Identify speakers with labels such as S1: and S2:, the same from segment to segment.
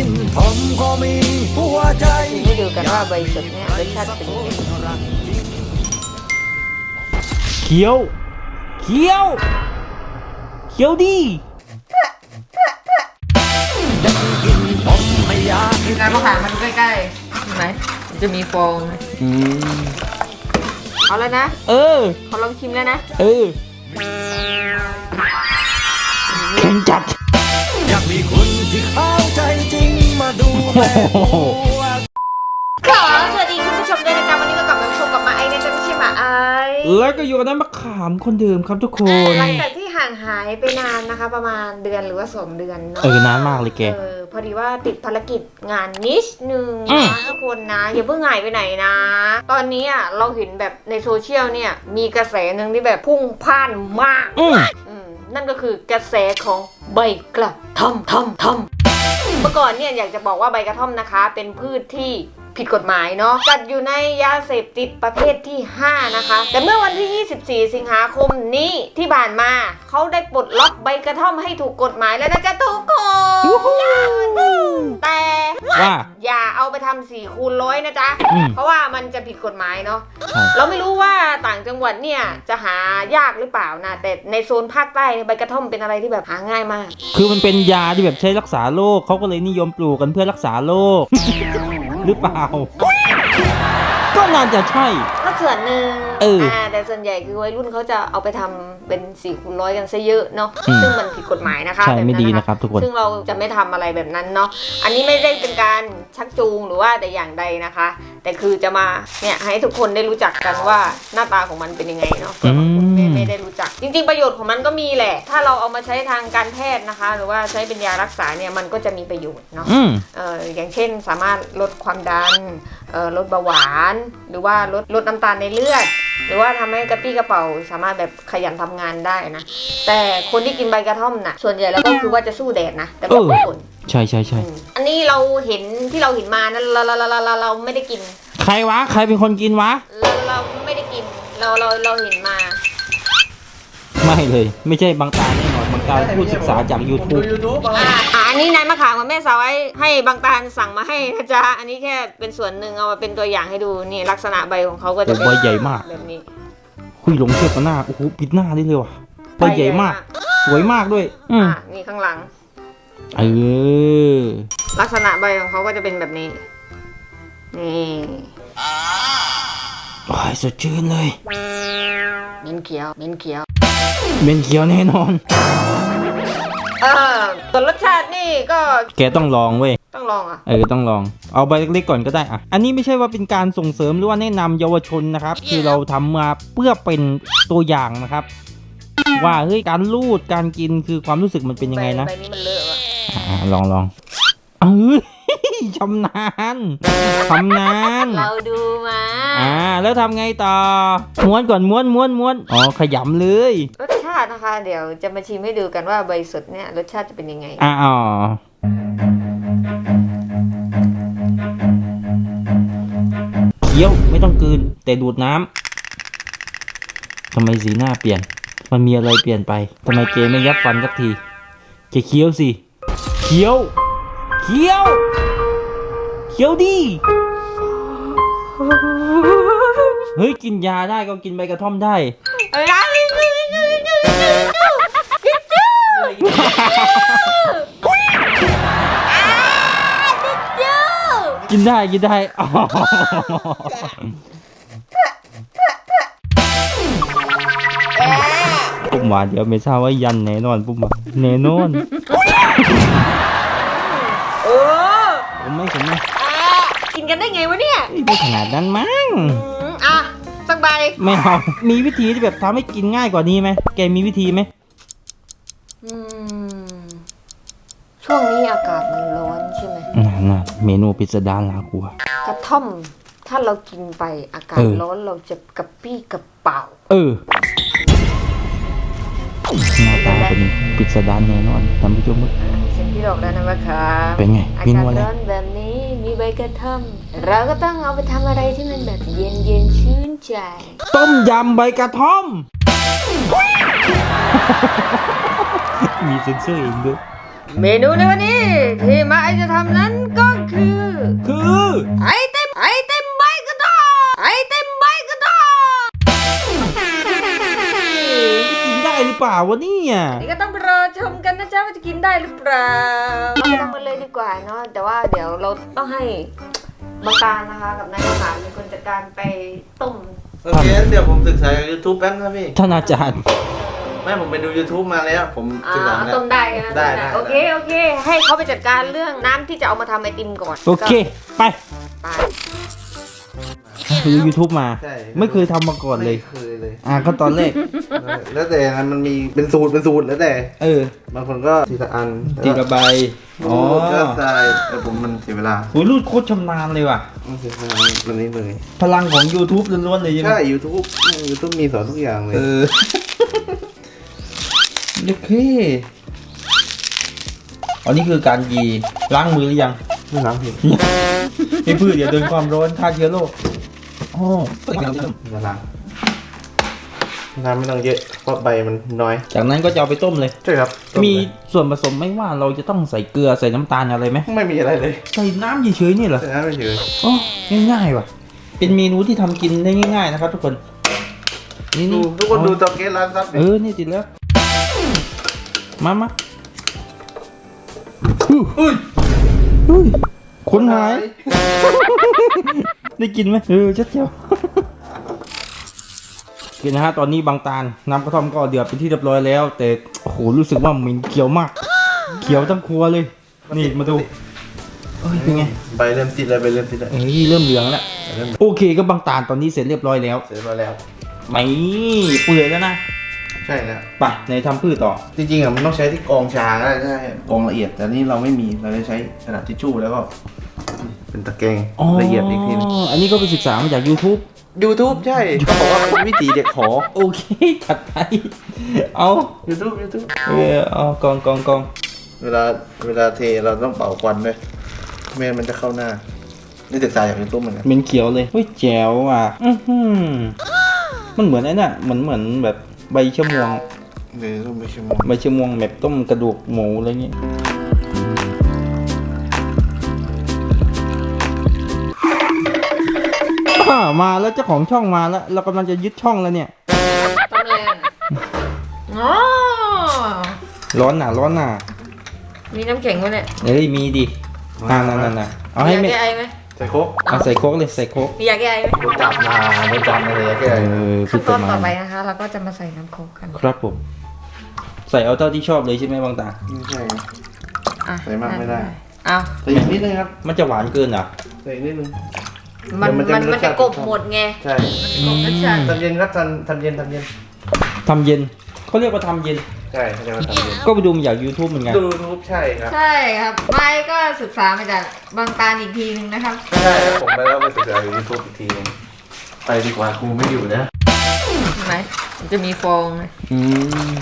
S1: กินผมก็มีหัวใจ
S2: ให้ดูกันว่าใบสดเนี่ยรสชาติเป็นยังไง
S3: เคี้ยวเคี้ยวเคี้ยวดิ
S1: กินผมไม่อยากกิน
S2: การมะขามมาดูใกล้ๆเห็นไหมมันจะมีฟองเอาแล้วนะเขาลองชิมแล้วนะ
S3: เค็มจัด
S1: อยากมีคนที่เข้าใจจริงมาดูแล
S2: สวัสดีคุณผู้ชมด้วยนะครับวันนี้ก็กลับมาชมกับมาไอเนี่ยจะไม่ใช่มาไอ
S3: แล้วก็อยู่กับน้ำมะขามคนเดิมครับทุกคน
S2: หลังจากที่ห่างหายไปนานนะคะประมาณเดือนหรือว่า2 เดือนเนาะ
S3: นานมากเลยแก
S2: พอดีว่าติดภารกิจงานนิดนึงนะทุกคนนะอย่าเพิ่งหายไปไหนนะตอนนี้เราเห็นแบบในโซเชียลเนี่ยมีกระแสหนึ่งที่แบบพุ่งพ่านมากนั่นก็คือกระแสของใบกระท่อมเมื่อก่อนเนี่ยอยากจะบอกว่าใบกระท่อมนะคะเป็นพืชที่ผิดกฎหมายเนาะจัดอยู่ในยาเสพติดประเภทที่5นะคะแต่เมื่อวันที่24 สิงหาคมนี้ที่ผ่านมาเขาได้ปลดล็อกใบกระท่อมให้ถูกกฎหมายแล้วนะจ๊ะทุกคนแต่ว่าอย่าเอาไปทำ4 คูณ 100นะจ๊ะเพราะว่ามันจะผิดกฎหมายเนาะเราไม่รู้ว่าต่างจังหวัดเนี่ยจะหายากหรือเปล่านะแต่ในโซนภาคใต้ใบกระท่อมเป็นอะไรที่แบบหาง่ายมาก
S3: คือมันเป็นยาที่แบบใช้รักษาโรคเขาก็เลยนิยมปลูกกันเพื่อรักษาโรคหรือเปล่าก็น่าจะใช่
S2: ก็ส่วนหนึ่งแต่ส่วนใหญ่คือวัยรุ่นเขาจะเอาไปทำเป็น4 คูณ 100กันซะเยอะเนาะซึ่งมันผิดกฎหมายนะคะ
S3: ใช่ไม่ดีนะครับทุกคน
S2: ซึ่งเราจะไม่ทำอะไรแบบนั้นเนาะอันนี้ไม่ได้เป็นการชักจูงหรือว่าแต่อย่างใดนะคะแต่คือจะมาเนี่ยให้ทุกคนได้รู้จักกันว่าหน้าตาของมันเป็นยังไงเนาะไม่ได้รู้จักจริงๆประโยชน์ของมันก็มีแหละถ้าเราเอามาใช้ทางการแพทย์นะคะหรือว่าใช้เป็นยารักษาเนี่ยมันก็จะมีประโยชน์เนาะอย่างเช่นสามารถลดความดันลดเบาหวานหรือว่าลดน้ำตาลในเลือดหรือว่าทำให้กระปี้กระเป๋าสามารถแบบขยันทำงานได้นะแต่คนที่กินใบกระท่อมน่ะส่วนใหญ่แล้วก็คือว่าจะสู้แดดนะแต่บางคน
S3: ใช่
S2: อันนี้เราเห็นที่เราเห็นมานั้นเราไม่ได้กิน
S3: ใครวะใครเป็นคนกินวะ
S2: เราไม่ได้กินเราเห็นมา
S3: ไม่เลยไม่ใช่บางตาแน่นอนบางตาพูดศึกษาจาก YouTube
S2: อันนี้นายมะขามกับแม่สาวให้บางตาสั่งมาให้นะจ๊ะอันนี้แค่เป็นส่วนหนึ่งเอามาเป็นตัวอย่างให้ดูนี่ลักษณะใบของเขาก็จะเป็น
S3: ใบใหญ่มาก
S2: แบบนี้
S3: คุยลงเทียบกับหน้าโอ้โหปิดหน้าได้เลยว่ะใบใหญ่มากสวยมากด้วย
S2: นี่ข้างหลังลักษณะใบของเขาก็จะเป็นแบบนี้นี่
S3: โอ้ยสดชื่นเลย
S2: เม็นเขียว
S3: แน่นอน
S2: ส่วนรสชาตินี่ก็
S3: แกต้องลองเว้ย
S2: ต้องลอง
S3: ต้องลองเอาใบเล็กๆก่อนก็ได้อันนี้ไม่ใช่ว่าเป็นการส่งเสริมหรือว่าแนะนำเยาวชนนะครับคือเราทำมาเพื่อเป็นตัวอย่างนะครับว่าเฮ้ยการลูดการกินคือความรู้สึกมันเป็นยังไงนะ
S2: ใบนี้มันเลอะ
S3: ลองชำนาญ
S2: เราดูมา
S3: แล้วทำไงต่อม้วนก่อนม้วนขยำเลย
S2: รสชาตินะคะเดี๋ยวจะมาชิมให้ดูกันว่าใบสดเนี่ยรสชาติจะเป็นยังไง
S3: เคี้ยวไม่ต้องกลืนแต่ดูดน้ำทำไมสีหน้าเปลี่ยนมันมีอะไรเปลี่ยนไปทำไมเกไม่ยับฟันสักทีเคี้ยวสิเคี้ยวดิเฮ้ยกินยาได้ก็กินใบกระท่อมได้กินได้ปุ๊บมาเดี๋ยวไม่ทราบว่ายันแน่นอนปุ๊บมาแน่นอนผมไม่
S2: กินกันได้ไงวะเนี่ย
S3: ไม่ขนาดนั้นมั้ง
S2: สักใบ
S3: ไม่เอามีวิธีที่แบบทำให้กินง่ายกว่านี้ไหมแกมีวิธีไหม
S2: ช่วงนี้อากาศมันร้อนใช่ไหม
S3: น่ะเมนูพิสดารลากัว
S2: กระท่อมถ้าเรากินไปอากาศร้อนเราจะกระปี้กระเป๋า
S3: หน้าตาเป็นพิสดารแน่นอนทำให้ชม
S2: เส้นที่ดอกแล้วนะมะขาม
S3: เป็นไง
S2: อากาศร้อนแบบนี้มีใบกระท่อมเราก็ต้องเอาไปทำอะไรที่มันแบบเย็นชื่นใจ
S3: ต้มยำใบกระท่อมมีเซ็นเซอร์เองด้วย
S2: เมนูในวันนี้ที่มาไอจะทำนั้น
S3: วะเนี่ย
S2: นี่ก็ต้องไปรอชมกันนะจ๊ะว่าจะกินได้หรือเปล่าเราทำกันเลยดีกว่าเนาะแต่ว่าเดี๋ยวเราต้องให้บางการนะคะกับนายทหารเป็นคนจัดการไปต้ม
S4: โอเคเดี๋ยวผมศึกษาจาก YouTube แป๊บนะพี่
S3: ท่านอาจารย์
S4: ไม่ผมไปดู YouTube มาแล้วผมศึกษาแล้ว
S2: ต้มได้นะ
S4: ได้
S2: โอเคโอเค ให้เขาไปจัดการเรื่องน้ำที่จะเอามาทำไอติมก่อน
S3: โอเค ไป
S2: ไป
S3: ดู YouTube มา
S4: ใช่
S3: ไม่เคยทำมาก่อนเลย
S4: ไม่เคยเลย
S3: ก็ตอนแรก
S4: แล้วแต่นั้นมันมีเป็นสูตรแล้วแต่ บางคนก็ทีละอัน
S3: ตีกระใบ
S4: อ๋อก็ใส่แต่ผมมันเสียเวลา
S3: โหรูดโคตรชำนาญเลยว่ะ
S4: มันเสียเวลามันนี้เลย
S3: พลังของ YouTube ล้วนๆเลยใช่ไหม
S4: ใช่ YouTube มีสอนทุกอย่างเลย
S3: โอเคอันนี้คือการยีล้างมือหรือยัง
S4: ไม่ล้างผิด
S3: ไม่พืชอย่าโดนความร้อนฆ่าเชื้อโรคอ๋อ
S4: มาล้างน้ำไม่ต้องเยอะเพราะใบมันน้อย
S3: จากนั้นก็จะเอาไปต้มเลย
S4: ใช่ครับ
S3: มีส่วนผสมไหม่ว่าเราจะต้องใส่เกลือใส่น้ำตาลอะไรไหม
S4: ไม่มีอะไรเลย
S3: ใส่น้ำเฉยๆนี่เหรอ
S4: แต่น้ำไม่เฉย
S3: อ๋อง่ายๆว่ะ เป็นเมนูที่ทำกินได้ง่าย ๆนะครับ ทุกคน นี่
S4: ดูทุกคนดูเตาแก๊สร้านซับ
S3: นี่ติดแล้วมา
S4: อุ้ย
S3: คนหาย ได้กินไหมชัดเจียวกินนะฮะตอนนี้บางตาลน้ำกระท่อมก็เดือดเป็นที่เรียบร้อยแล้ว แต่โอ้โหรู้สึกว่าเหม็นเขียวมาก เขียวทั้งครัวเลย นี่มาดูเป็นไง
S4: ใบเริ่มติดแล้วใบเริ่มติดแล้ว
S3: เริ่มเหลืองแล้วโอเคก็บางตาลตอนนี้เสร็จเรียบร้อยแล้ว
S4: เสร็จมาแล้ว
S3: ไม่เปื่อยแล้วนะ
S4: ใช่แล้ว
S3: ไปในทำพืชต่อ
S4: จริงๆอ่ะมันต้องใช้ที่กรองชาก็ได้ใช่กรองละเอียด แต่นี่เราไม่มีเราจะใช้กระดาษทิชชู่แล้วก็เป็นตะแกรงละเอียดอีกทีนึง
S3: อันนี้ก็ไปศึกษามาจาก YouTube
S4: YouTube ใช่เขาบอกว่าเป็นวิถีเด็กขอ
S3: โอเคจัดไปเอา
S4: YouTube
S3: เอากอง
S4: เวลาเทเราต้องเป่าควันด้วยไม่งั้นมันจะเข้าหน้านี่ศึกษาจาก YouTube เหมือนกัน
S3: เหม็นเขียวเลยเฮ้ยแจ๋วอ่ะมันเหมือนไอ้น่ะเหมือนแบบใบชะมวง
S4: หรือต้องไปชั่วโมง
S3: ใบชะมวงแบบต้มกระดูกหมูอะไรเงี้ยมาแล้วเจ้าของช่องมาแล้วเรากำลังจะยึดช่องแล้วเนี่ย
S2: ต้มเลยอ๋อ
S3: ร้อนหนา
S2: มีน้ำแข็งไหมเนี่ย
S3: เอ้ยมีดินั่นเอาให้
S2: อยาก
S3: ไม่
S2: แก้ไอไหม
S4: ใส่โค้ก
S3: เอาใส่โค้กเลยใส่โค้ก
S2: อยากแก้ไอไหม
S4: โดนจับมาเลยแก
S2: ขั้นตอนต่อไปนะคะ เราก็จะมาใส่น้ำโค้กกัน
S3: ครับผมใส่เอาเท่าที่ชอบเลยใช่ไหมบางตา
S4: ไม่ใช่
S2: อ่ะ
S4: ใส่มากไม่ได้
S2: เอา
S4: ใส่อีกนิดนึงครับ
S3: มันจะหวานเกินเหรอ
S4: ใส่อีกนิดนึง
S2: มันจะกบหมดไง
S4: ใช่
S2: กบรสชาติ
S4: ทำเย็นครับทำเย็น
S3: ทำเย็นเขาเรียกว่าทำเย็น
S4: ใช่เขาเรียกว่าทำเย็น
S3: ก็ไปดูมาจาก YouTube เหมือนกัน
S4: ดูรูปใช่ครับ
S2: ใช่ครับไม่ก็ศึกษามาจากบางตาลอีกทีนึงนะครับ
S4: ใช่ครับผมไปแล้วไปศึกษาอยู่ยูทูบอีกทีนึงไปดีกว่าครูไม่อยู่นะ
S2: เห็นไหมมันจะมีฟองนะ
S3: อืม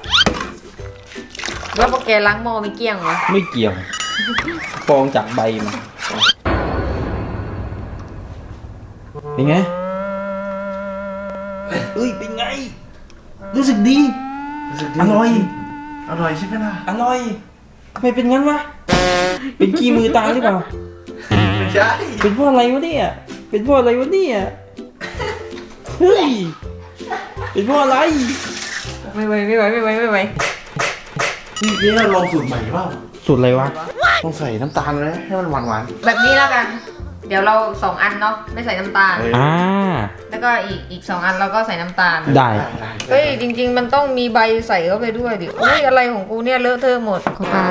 S2: แล้วพอแกล้างหม้อไม่เกลี้ยงเหรอ
S3: ไม่เกี่ยวฟองจากใบมาเป็นไงเอ้ยเป็นไง รู้สึกดี อร่อย
S4: อร่อยใช่ไหมล่ะ
S3: อร่อยทำไมเป็นงั้นวะเป็นขี้มือตาหรือเปล่า
S4: ใช่
S3: เป็นเพราะอะไรวะเนี่ยเป็นเพราะอะไรวะเนี่ยเฮ้ยเป็นเพราะอะไร
S2: ไม่ไหว
S4: นี่เราลองสูตรใหม่เปล่า
S3: สูตรอะไรวะ
S4: ต้องใส่น้ำตาลเลยให้มันหวาน
S2: แบบนี้แล้วกัน เดี๋ยวเรา2 อันเนาะไม่ใส่น้ำตาล แล้วก็อีก2 อันเราก็ใส่น้ำตาล
S3: ได้
S2: เฮ้ยจริง ๆ มันต้องมีใบใส่เข้าไปด้วยดิโอ้ยอะไรของกูเนี่ยเลอะเทอะหมดเข้าไป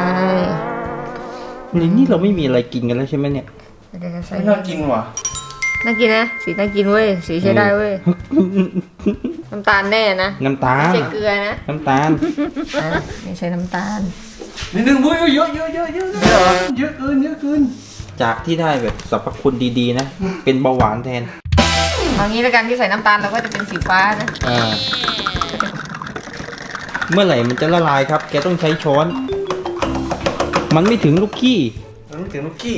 S3: นี่เราไม่มีอะไรกินกันแล้วใช่ไหมเนี่ย
S2: เดี๋ยวจะใส่
S4: ไม่น่ากินว่ะ
S2: น่ากินนะสีน่ากินเว้ยสีใช้ได้เว้ยน้ำตาลแน่นะ
S3: น้ำตา
S2: ไม่
S3: ล
S2: ใช่เกลือนะ
S3: น้ำตาล
S2: อ่ะไม่ใช่น้ำตาล
S4: นิดนึงบุ้ยเยอะเยอะเกิน
S3: จากที่ได้แบบสรรพคุณดีๆนะ เป็นเบาหวานแทน
S2: เอางี้แล้วกันที่ใส่น้ำตาลเราก็จะเป็นสีฟ้านะ
S3: เมื่อไหร่มันจะละลายครับ แกต้องใช้ช้อน มันไม่ถึงลูกขี้
S4: มันไม่ถึงลูกกี้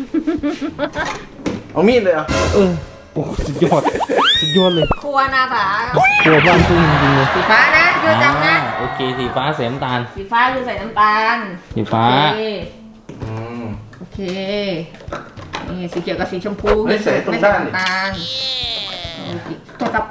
S4: เอามีดเลยอ่ะ
S3: โอ้สุดยอด สุดยอดเลย
S2: ครัวนาถา
S3: ครัวบ้านทุ่งจริงๆเลย
S2: สีฟ้านะเดี๋ยวจำนะ
S3: โอเคสีฟ้าใส่น้ำตาล
S2: สีฟ้าคือใส่น้ำตาล
S3: สีฟ้า
S2: โอเคนี่สีเขียวกับสีชมพู
S4: ไม่ใส่ตรงด้าน
S2: ไม่ใส่น้ำตาลตัวกับ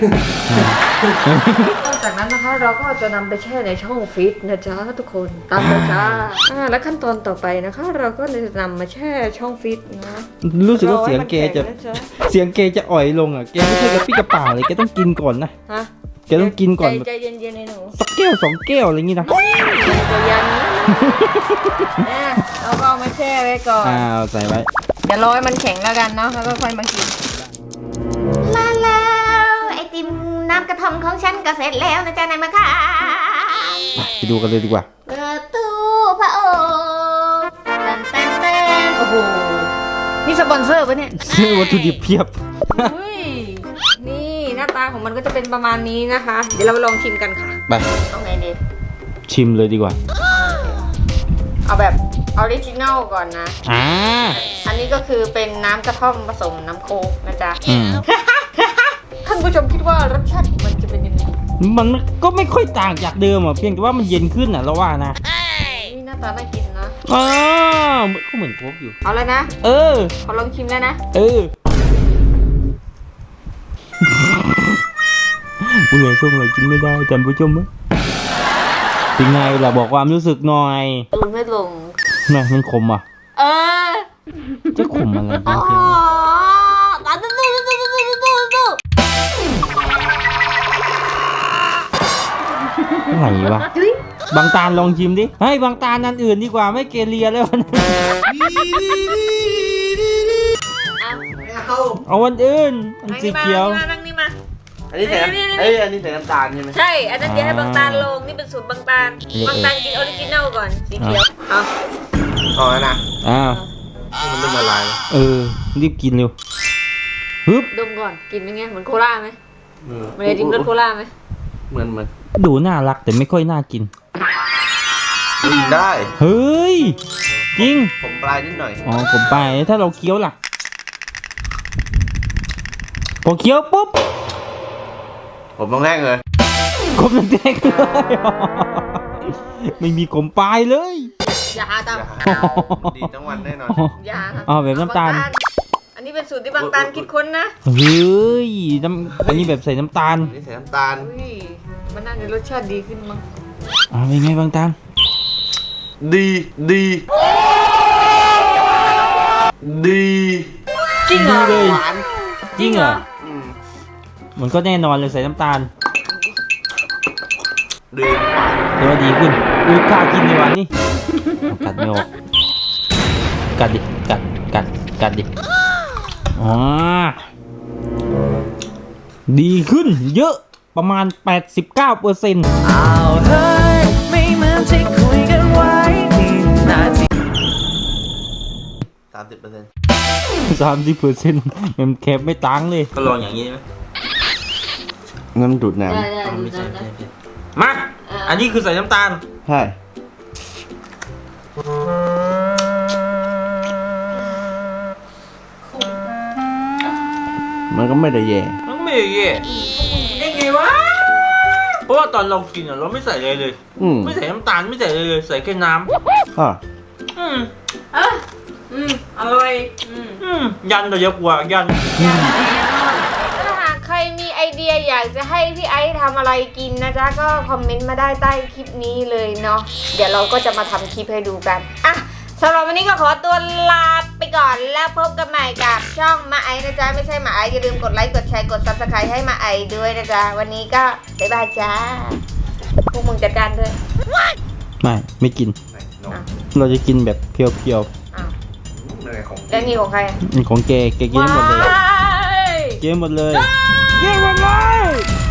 S2: นอกจากนั้นนะคะเราก็จะนำไปแช่ในช่องฟิตนะจ๊ะทุกคนตามไปจ้าและขั้นตอนต่อไปนะคะ เราก็จะนำมาแช่ช่องฟิตนะ
S3: รู้สึกว่าเสียงเกจะอ่อยลงอ่ะแกไม่ใช่กระปี้กระเป๋าเลยแกต้องกินก่อนนะ
S2: ฮะ
S3: แกต้องกินก่อน
S2: ใจเย็นๆในหนู
S3: สักแก้ว2 แก้วอะไรอย่างงี้นะ
S2: ตัวยันเนี่ยเราก็เอามาแช่ไว้ก่อน
S3: ใส่ไว้
S2: เดี๋ยวรอให้มันแข็งแล้วกันเนาะแล้วก็ค่อยมากินมาแล้วไอติมน้ำกระท่อมของฉันก็เสร็จแล้วนะจ๊ะนายมะค่ะ
S3: ไปดูกันเลยดีกว่า
S2: เปิดตู้พระโอษฐ์เต้นโอ้โหนี่สปอนเซอร์ปะเนี่ย
S3: ซื้อวัตถุดิบเพียบ
S2: อุ้ยนี่หน้าตาของมันก็จะเป็นประมาณนี้นะคะ เดี๋ยวเราไปลองชิมกันค่ะ
S3: ไป
S2: เอาไงดี
S3: ชิมเลยดีกว่า
S2: เอาแบบออริจินัลก่อนนะ อันนี้ก็คือเป็นน้ำกระท่อมผสมน้ำโค้กนะจ๊ะ ท่านผู้ชมคิดว่ารสชาติของมันจะเป็นยังไง
S3: มันก็ไม่ค่อยต่างจากเดิมอ่ะเพียงแต่ว่ามันเย็นขึ้นอ่ะเราว่านะ
S2: นี่หน้าตาน่ากินนะ
S3: ก็เหมือนโค้กอยู่
S2: เอาแล้วนะ ขอลองชิมแล้วนะ
S3: ผู้ใหญ่ส้มเรากินไม่ได้จำผู้ชมไหมเป็นไงล่ะบอกความรู้สึกหน่อย
S2: ตูนไม่ลง
S3: น่ะมันขมอ่ะ จะขมอะไร
S2: อ๋อ
S3: จริง
S2: ตาตู้
S3: ไหนวะบางตาลลองชิมดิให้บางตาลอันอื่นดีกว่าไม่เกเรียแล้วนะเอาวันอื่นอันสีเขียว
S2: นั่งนี่มา
S4: อันนี้ใส่อันนี้ใส่น้ำตาลใช่ไหม
S2: ใช่ อันนั้นเดี๋ยวให้บางตาลลง นี่เป็นสูตรบางตาล บางตาลกินออริจินัลก่อน สีเขียว เอา
S4: เอาแล้วนะ มันเริ่มละลายแล้ว
S3: รีบกินเร็วฮึบ
S2: ดมก่อน กินเป็นไง เหมือนโคลาไหมมันจะจิ้มรสโคลาไหม
S4: เหมือน
S3: ดูน่ารักแต่ไม่ค่อยน่ากิน
S4: กินได้
S3: เฮ้ยจริง
S4: ผมปลายนิดหน่อย
S3: ผมไปถ้าเราเคี้ยวล่ะพอเคี้ยวปุ๊บ
S4: ผมต้องแรกเลย
S3: ขมแดงเลย ไม่มีขมปลายเลย
S2: อย่าตาม
S4: ดีทั้งวันแน่นอน
S2: อย่า
S3: แบบน้ำตาล
S2: อันนี้เป็นสูตรที่บางตาลคิดค้นนะ
S3: เฮ้ยอันนี้แบบใส่น้ำตาล
S4: นี่ใส่น้ำตาล
S2: อุ้ยมันน่าจะรสชาติดีขึ้นมั้ง
S3: เป็นไงบางตาล
S4: ดี
S3: ดี
S2: จริงเหรอ
S3: ดีเลย
S4: หวาน
S3: จริงเหรอ
S4: อืม
S3: มันก็แน่นอนเลยใส่น้ำตาล
S4: ดีหวาน
S3: แต่ว่าดีขึ้นอุ้ยกล้ากินในวันนี้กัดไม่ออกกัดดิกัดดิดีขึ้นเยอะประมาณ 89%
S1: อ้าวเฮ้ยไม่เหมือนที่คุยกันไว้นี่นาที
S4: 30%
S3: มันแคบไม่ตังเลยก็ลองอย่างนี้ไหม
S4: งั้นดูดน้
S2: ได้
S3: ไม่ใช่มา อันนี้คือใส่น้ำตาล
S4: ำใช่ มันก็ไม่ได้แย่
S3: มันไม่แย่ได้ไงวะ เพราะว่าตอนเรากินเราไม่ใส่อะไรเลย ไม่ใส่น้ำตาลไม่ใส่อะไรเลยใส่แค่น้ำ
S2: อร่อย
S3: ยันเราเยอะกว่ายัน
S2: ถ้าหากใครมีไอเดียอยากจะให้พี่ไอซ์ทำอะไรกินนะจ๊ะก็คอมเมนต์มาได้ใต้คลิปนี้เลยเนาะเดี๋ยวเราก็จะมาทำคลิปให้ดูกันอ่ะสำหรับวันนี้ก็ขอตัวลาไปก่อนแล้วพบกันใหม่กับช่องมาไอซ์นะจ๊ะไม่ใช่มาไอซ์อย่าลืมกดไลค์กดแชร์กด Subscribe ให้มาไอซ์ด้วยนะจ๊ะวันนี้ก็บ๊ายบายจ้าพวกมึงจัดการด้วย
S3: ไม่กิน เราจะกินแบบเพียว
S2: อ้าว
S4: ของ
S2: แล้วนี่ของใครอ่ะ
S3: ๆของแกกินหมดเลย
S2: ว้าย
S3: กินหมดเลยกินหมดเลย